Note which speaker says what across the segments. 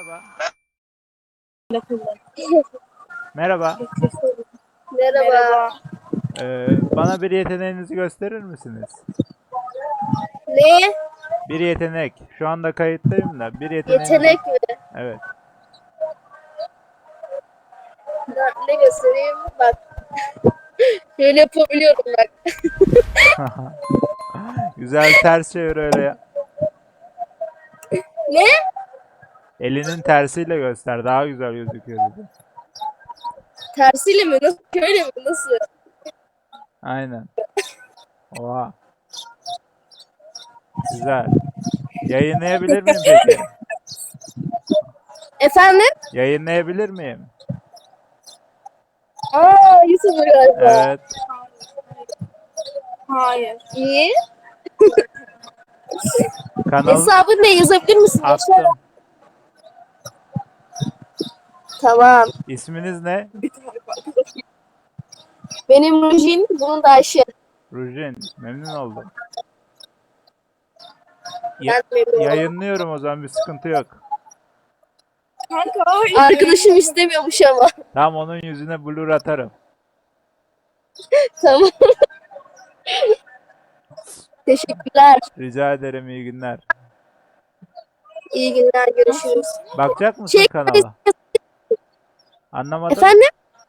Speaker 1: Merhaba. Merhaba.
Speaker 2: Merhaba.
Speaker 1: Bana bir yeteneğinizi gösterir misiniz?
Speaker 2: Ne?
Speaker 1: Bir yetenek. Şu anda kayıttayım da bir yeteneğinizi...
Speaker 2: Yetenek mi?
Speaker 1: Evet.
Speaker 2: Ne göstereyim? Bak. Şöyle yapabiliyorum bak.
Speaker 1: Güzel ters çevir öyle ya.
Speaker 2: Ne?
Speaker 1: Elinin tersiyle göster. Daha güzel gözüküyor dedi.
Speaker 2: Tersiyle mi? Nasıl? Şöyle mi? Nasıl?
Speaker 1: Aynen. Oha. Güzel. Yayınlayabilir miyim peki?
Speaker 2: Efendim?
Speaker 1: Yayınlayabilir miyim?
Speaker 2: YouTuber galiba.
Speaker 1: Evet.
Speaker 2: Hayır. İyi.
Speaker 1: Kanal
Speaker 2: Hesabı ne yazabilir misin?
Speaker 1: attım.
Speaker 2: Tamam.
Speaker 1: İsminiz ne?
Speaker 2: Benim Rujin, bunun da Ayşe.
Speaker 1: Rujin. Memnun oldum.
Speaker 2: Ben memnun oldum.
Speaker 1: Yayınlıyorum o zaman, bir sıkıntı yok.
Speaker 2: Arkadaşım istemiyormuş ama.
Speaker 1: Tamam, onun yüzüne blur atarım.
Speaker 2: Tamam. Teşekkürler.
Speaker 1: Rica ederim, iyi günler.
Speaker 2: İyi günler. Görüşürüz.
Speaker 1: Bakacak mısın kanala? Anlamadım.
Speaker 2: Efendim?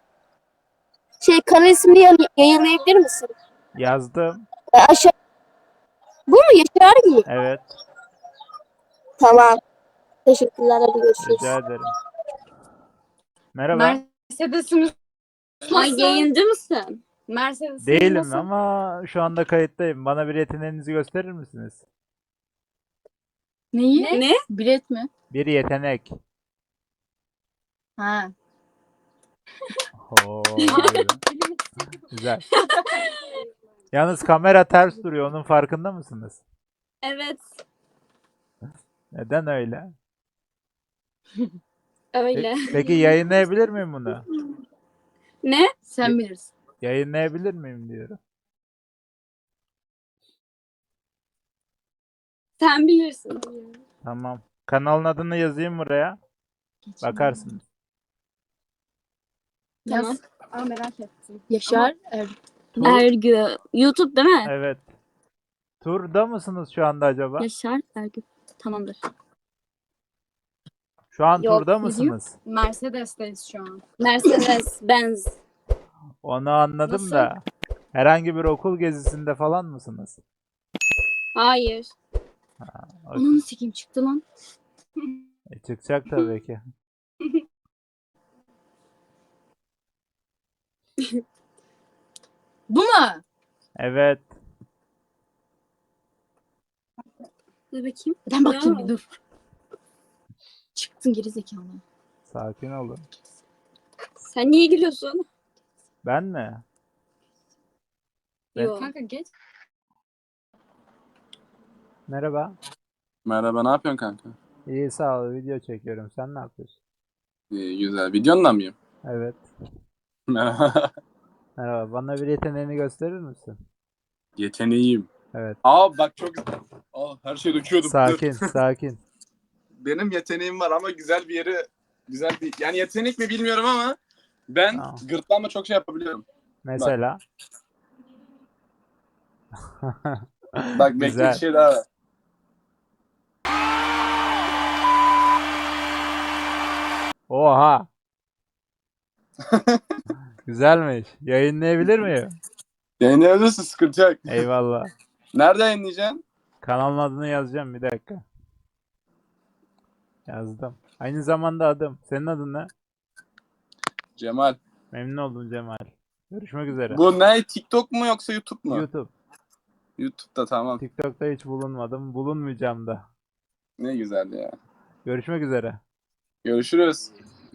Speaker 2: Kanal ismini yayınlayabilir misin?
Speaker 1: Yazdım.
Speaker 2: Aşağı. Bu mu? Yaşar gibi.
Speaker 1: Evet.
Speaker 2: Tamam. Teşekkürler. Hadi görüşürüz.
Speaker 1: Rica ederim. Merhaba.
Speaker 3: Mercedes'in Ay yayıncı mısın? Mercedes'in
Speaker 1: Değilim
Speaker 3: nasıl?
Speaker 1: ama şu anda kayıttayım. Bana bir yeteneğinizi gösterir misiniz?
Speaker 3: Neyi? Ne? Bilet mi?
Speaker 1: Bir yetenek.
Speaker 3: Ha.
Speaker 1: Oo, böyle. Güzel. Yalnız kamera ters duruyor. Onun farkında mısınız?
Speaker 3: Evet.
Speaker 1: Neden öyle?
Speaker 3: Öyle.
Speaker 1: Peki yayınlayabilir miyim bunu?
Speaker 3: Ne? Sen bilirsin.
Speaker 1: Yayınlayabilir miyim diyorum.
Speaker 3: Sen bilirsin.
Speaker 1: Tamam. Kanalın adını yazayım buraya. Bakarsınız.
Speaker 3: Tamam. Aa, merak ettim.
Speaker 2: Yaşar.
Speaker 3: Ergü. YouTube değil mi?
Speaker 1: Evet. Turda mısınız şu anda acaba?
Speaker 3: Yaşar Ergü. Tamamdır.
Speaker 1: Şu an
Speaker 3: Yok,
Speaker 1: turda
Speaker 3: ne
Speaker 1: mısınız?
Speaker 3: Mercedes'teyiz şu an. Mercedes Benz.
Speaker 1: Onu anladım
Speaker 3: Nasıl?
Speaker 1: da. Herhangi bir okul gezisinde falan mısınız?
Speaker 3: Hayır.
Speaker 1: Okey.
Speaker 3: Onun sikim çıktı lan.
Speaker 1: Çıkacak tabii ki.
Speaker 3: Bu mu?
Speaker 1: Evet.
Speaker 3: Dur bakayım. Ben bakayım bir dur. Çıktın geri zekalı.
Speaker 1: Sakin olun.
Speaker 3: Sen niye gülüyorsun?
Speaker 1: Ben mi?
Speaker 3: Yok. Kanka geç.
Speaker 1: Merhaba.
Speaker 4: Merhaba, ne yapıyorsun kanka?
Speaker 1: İyi, sağ ol. Video çekiyorum. Sen ne yapıyorsun?
Speaker 4: İyi, güzel. Videonla mıyım?
Speaker 1: Evet.
Speaker 4: Merhaba.
Speaker 1: Merhaba. Bana bir yeteneğini gösterir misin?
Speaker 4: Yeteneğim.
Speaker 1: Evet.
Speaker 4: Bak çok güzel. Her şeyi döküyordum.
Speaker 1: Sakin,
Speaker 4: Dur.
Speaker 1: sakin.
Speaker 4: Benim yeteneğim var ama güzel bir yani yetenek mi bilmiyorum ama ben
Speaker 1: Tamam.
Speaker 4: gırtlağımla çok şey yapabiliyorum.
Speaker 1: Mesela.
Speaker 4: Bak bekle, bir
Speaker 1: Güzel.
Speaker 4: şey daha var.
Speaker 1: Oha. Güzelmiş. Yayınlayabilir miyim?
Speaker 4: Yayınlayabilirsin, sıkıntı yok.
Speaker 1: Eyvallah.
Speaker 4: Nerede yayınlayacaksın?
Speaker 1: Kanalın adını yazacağım, bir dakika. Yazdım. Aynı zamanda adım. Senin adın ne?
Speaker 4: Cemal.
Speaker 1: Memnun oldum Cemal. Görüşmek üzere.
Speaker 4: Bu ne? TikTok mu yoksa YouTube mu?
Speaker 1: YouTube.
Speaker 4: YouTube'da, tamam.
Speaker 1: TikTok'ta hiç bulunmadım. Bulunmayacağım da.
Speaker 4: Ne güzel ya.
Speaker 1: Görüşmek üzere.
Speaker 4: Görüşürüz.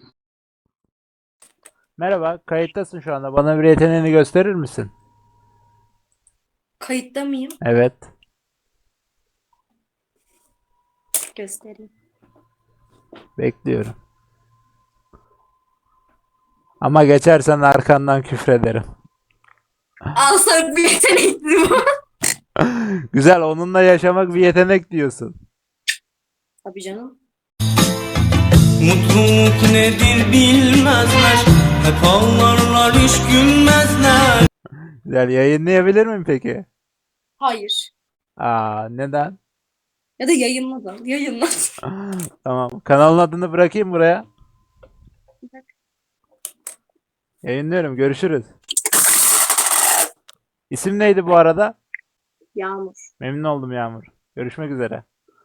Speaker 1: Merhaba, kayıttasın şu anda. Bana bir yeteneğini gösterir misin?
Speaker 5: Kayıtta mıyım?
Speaker 1: Evet.
Speaker 5: Göstereyim.
Speaker 1: Bekliyorum. Ama geçersen arkandan küfrederim.
Speaker 5: Al sana bir yetenekli bu.
Speaker 1: Güzel, onunla yaşamak bir yetenek diyorsun.
Speaker 5: Tabii canım.
Speaker 6: Mutluluk nedir bilmezler. Hep ağlarlar hiç gülmezler.
Speaker 1: Güzel. Yayınlayabilir miyim peki?
Speaker 3: Hayır.
Speaker 1: Aa, neden?
Speaker 3: Ya da yayınla da. Yayınla.
Speaker 1: Tamam. Kanalın adını bırakayım buraya. Yayınlıyorum. Görüşürüz. İsim neydi bu arada?
Speaker 3: Yağmur.
Speaker 1: Memnun oldum Yağmur. Görüşmek üzere.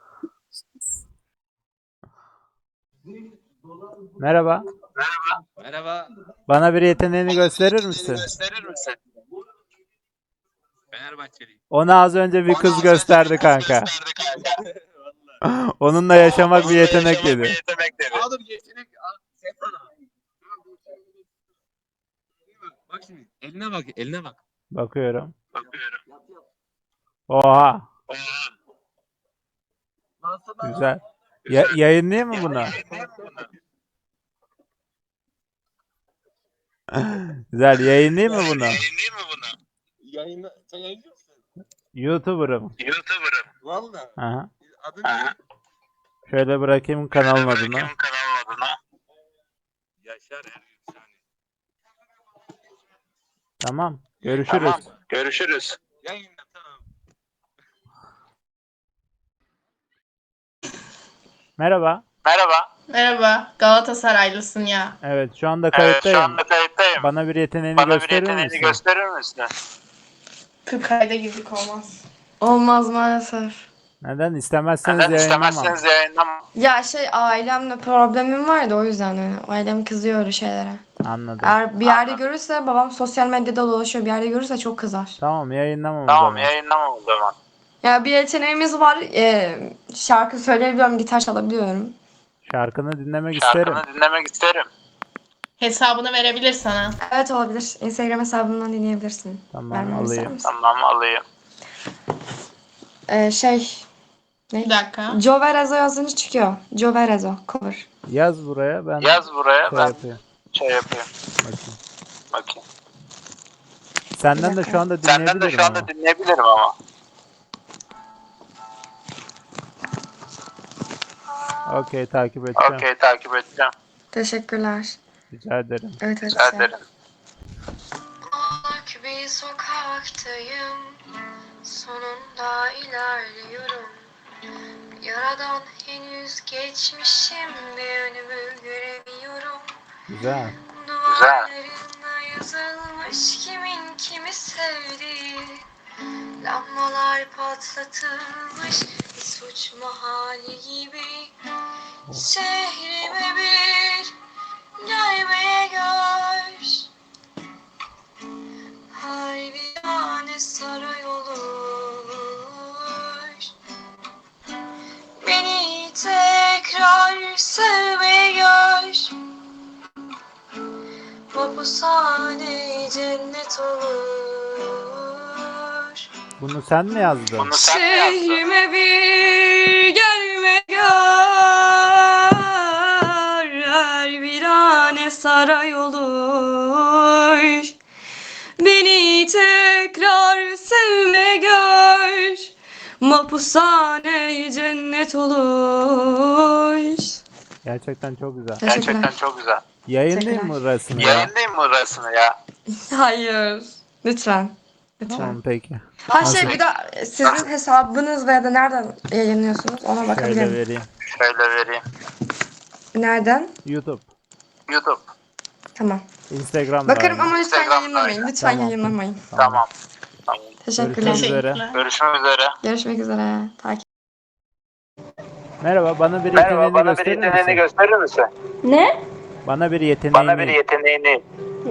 Speaker 1: Merhaba.
Speaker 7: Merhaba.
Speaker 1: Bana bir yeteneğini gösterir misin?
Speaker 7: Fenerbahçeliyim.
Speaker 1: Ona az önce bir kız gösterdi kanka. Onunla yaşamak bir yetenek dedi.
Speaker 7: Aa dur yetenek. Sen bana. Bak şimdi. Eline bak. Eline bak.
Speaker 1: Bakıyorum. Oha. Güzel. Yayınlayayım mı bunu? Güzel. Yayınlayayım mı bunu?
Speaker 7: Sen yayınlıyor musun?
Speaker 1: YouTuber'ım.
Speaker 7: Valla.
Speaker 1: Aha.
Speaker 7: Adın ne?
Speaker 1: Şöyle bırakayım kanalın adını.
Speaker 7: Yaşar Ergün Sani.
Speaker 1: Tamam. Görüşürüz.
Speaker 7: Yayınla tamam.
Speaker 1: Merhaba.
Speaker 8: Merhaba, Galatasaraylısın ya.
Speaker 1: Evet, şu anda kayıttayım. Bana bir yeteneğini gösterir misin?
Speaker 8: 40 ayda girdik olmaz. Olmaz maalesef.
Speaker 1: Neden? İstemezseniz yayınlamam.
Speaker 8: Ya ailemle problemim vardı o yüzden ailem kızıyor öyle şeylere.
Speaker 1: Anladım.
Speaker 8: Eğer bir yerde görürse babam sosyal medyada dolaşıyor bir yerde görürse çok kızar.
Speaker 1: Tamam, yayınlamam o zaman.
Speaker 8: Ya bir yeteneğimiz var. Şarkı söyleyebiliyorum, gitar çalabiliyorum.
Speaker 1: Şarkını dinlemek isterim.
Speaker 8: Hesabını verebilir sana. Evet olabilir. Instagram hesabımdan dinleyebilirsin.
Speaker 1: Tamam,
Speaker 8: Vermemi ister
Speaker 1: alayım.
Speaker 8: misin? Ne?
Speaker 5: Bir dakika.
Speaker 8: Joverezo yazınca çıkıyor. Joverezo cover.
Speaker 1: Yaz buraya, ben şey yapayım. Bakayım. Senden de şu anda dinleyebilirim ama. Okey, takip edeceğim.
Speaker 8: Teşekkürler.
Speaker 1: Rica ederim.
Speaker 8: Evet.
Speaker 9: Büyük bir sokaktayım, sonunda ilerliyorum. Yaradan henüz geçmişim ve önümü göremiyorum.
Speaker 1: Güzel.
Speaker 9: Duvarlarında yazılmış kimin kimi sevdiği. Lambalar patlatılmış bir suç mahalli gibi. Şehrime bir gelmeye gör. Harbiyane saray olur. Beni tekrar sevmeye gör. Mapushane cennet olur.
Speaker 1: Bunu sen mi yazdın?
Speaker 9: Şehrime bir gelme gör. Her virane saray olur. Beni tekrar sevme gör. Mapushane cennet olur.
Speaker 1: Gerçekten çok güzel.
Speaker 8: Teşekkürler.
Speaker 1: Yayınlayayım mı burasını ya?
Speaker 8: Hayır. Lütfen.
Speaker 1: Tamam, peki.
Speaker 8: Bir de sizin hesabınız veya da nereden yayınlıyorsunuz ona
Speaker 1: Şöyle
Speaker 8: bakabilirim.
Speaker 1: vereyim.
Speaker 8: Nereden?
Speaker 1: YouTube.
Speaker 8: Tamam.
Speaker 1: Instagram'da.
Speaker 8: Bakarım
Speaker 1: aynı.
Speaker 8: ama lütfen yayınlamayın. Lütfen
Speaker 1: Tamam.
Speaker 8: yayınlamayın.
Speaker 1: Tamam.
Speaker 8: Teşekkürler.
Speaker 1: Görüşmek üzere.
Speaker 8: Görüşmek üzere. Takip.
Speaker 1: Merhaba, bana bir yeteneğini gösterir misin?
Speaker 8: Ne?
Speaker 1: Bana bir yeteneğini.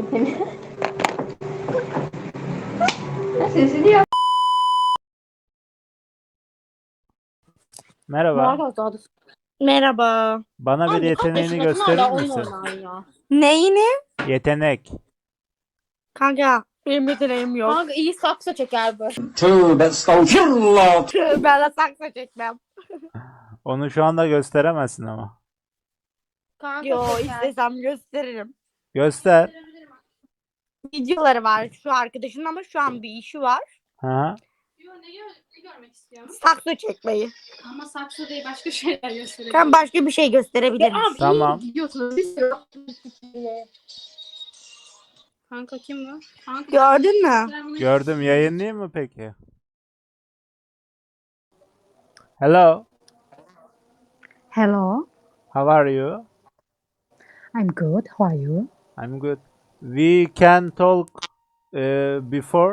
Speaker 8: Sesini yap.
Speaker 1: Merhaba,
Speaker 3: Merhaba.
Speaker 1: bana bir yeteneğini gösterir misin?
Speaker 3: Neyini?
Speaker 1: Yetenek.
Speaker 3: Kanka benim yeteneğim yok.
Speaker 2: Kanka iyi sakso çeker bu.
Speaker 6: Tövbe estağfurullah.
Speaker 2: Ben de sakso çekmem.
Speaker 1: Onu şu anda gösteremezsin ama.
Speaker 2: Kanka
Speaker 3: Yo
Speaker 2: çeker.
Speaker 3: istesem gösteririm.
Speaker 1: Göster.
Speaker 3: Videoları var şu arkadaşın ama şu an bir işi var.
Speaker 1: Ha.
Speaker 3: Ne görmek istiyorsun?
Speaker 2: Sakso çekmeyi.
Speaker 3: Ama saksı değil başka şeyler gösterebilirim.
Speaker 2: Sen başka bir şey gösterebilir misin?
Speaker 1: Tamam.
Speaker 3: Gidiyorsunuz. Kanka kim bu? Kanka.
Speaker 2: Gördün mü?
Speaker 3: Ben bunu-
Speaker 1: Gördüm. Yayınlayayım mı peki? Hello.
Speaker 9: Hello,
Speaker 1: How are you?
Speaker 9: I'm good. How are you?
Speaker 1: I'm good. We can talk before.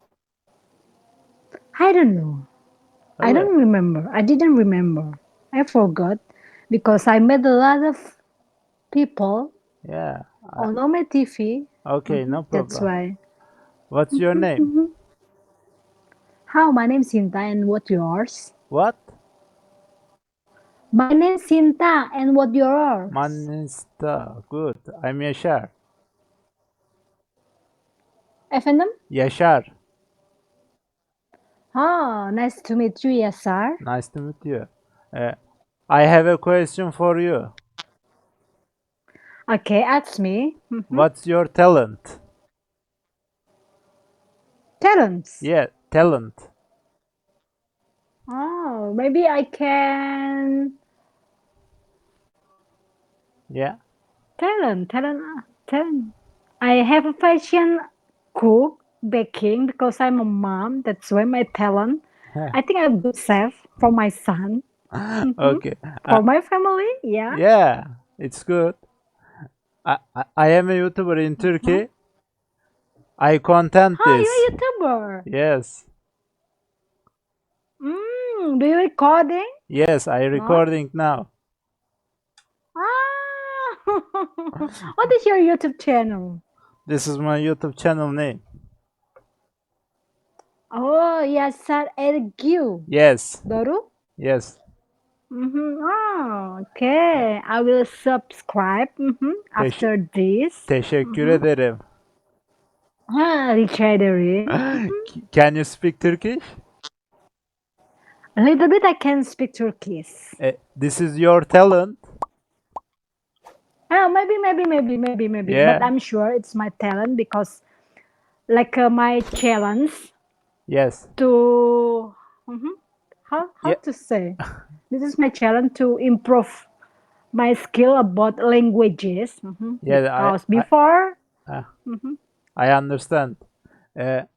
Speaker 9: I don't know. I don't remember. I didn't remember. I forgot because I met a lot of people
Speaker 1: Yeah.
Speaker 9: on my TV.
Speaker 1: Okay, no
Speaker 9: That's
Speaker 1: problem.
Speaker 9: why.
Speaker 1: What's your name?
Speaker 9: How? My name's Sinta, and what yours?
Speaker 1: What?
Speaker 9: My name's Sinta, and what yours?
Speaker 1: Manista. Good. I'm Yaşar.
Speaker 9: Efendim?
Speaker 1: Yaşar.
Speaker 9: Ah, nice to meet you, Yasar.
Speaker 1: Nice to meet you. I have a question for you.
Speaker 9: Okay, ask me.
Speaker 1: What's your talent?
Speaker 9: Talents.
Speaker 1: Yeah, talent.
Speaker 9: Oh, maybe I can.
Speaker 1: Yeah.
Speaker 9: Talent. I have a passion cook, baking because I'm a mom. That's why my talent. I think I'm a good chef for my son,
Speaker 1: Okay.
Speaker 9: for my family. Yeah.
Speaker 1: Yeah, it's good. I am a YouTuber in Turkey. I content
Speaker 9: Oh,
Speaker 1: this.
Speaker 9: you're a YouTuber.
Speaker 1: Yes.
Speaker 9: Do you recording?
Speaker 1: Yes, I recording now.
Speaker 9: Ah. What is your YouTube channel?
Speaker 1: This is my YouTube channel name.
Speaker 9: Oh, Yasar Ergü.
Speaker 1: Yes.
Speaker 9: Doğru?
Speaker 1: Yes.
Speaker 9: Oh, okay. I will subscribe after this.
Speaker 1: Teşekkür ederim.
Speaker 9: Rica ederim.
Speaker 1: Can you speak Turkish?
Speaker 9: A little bit I can speak Turkish.
Speaker 1: This is your talent.
Speaker 9: Oh, maybe.
Speaker 1: Yeah.
Speaker 9: But I'm sure it's my talent because, like, my challenge
Speaker 1: Yes.
Speaker 9: to how
Speaker 1: Yeah.
Speaker 9: to say this is my challenge to improve my skill about languages.
Speaker 1: Yeah,
Speaker 9: Because before
Speaker 1: I understand.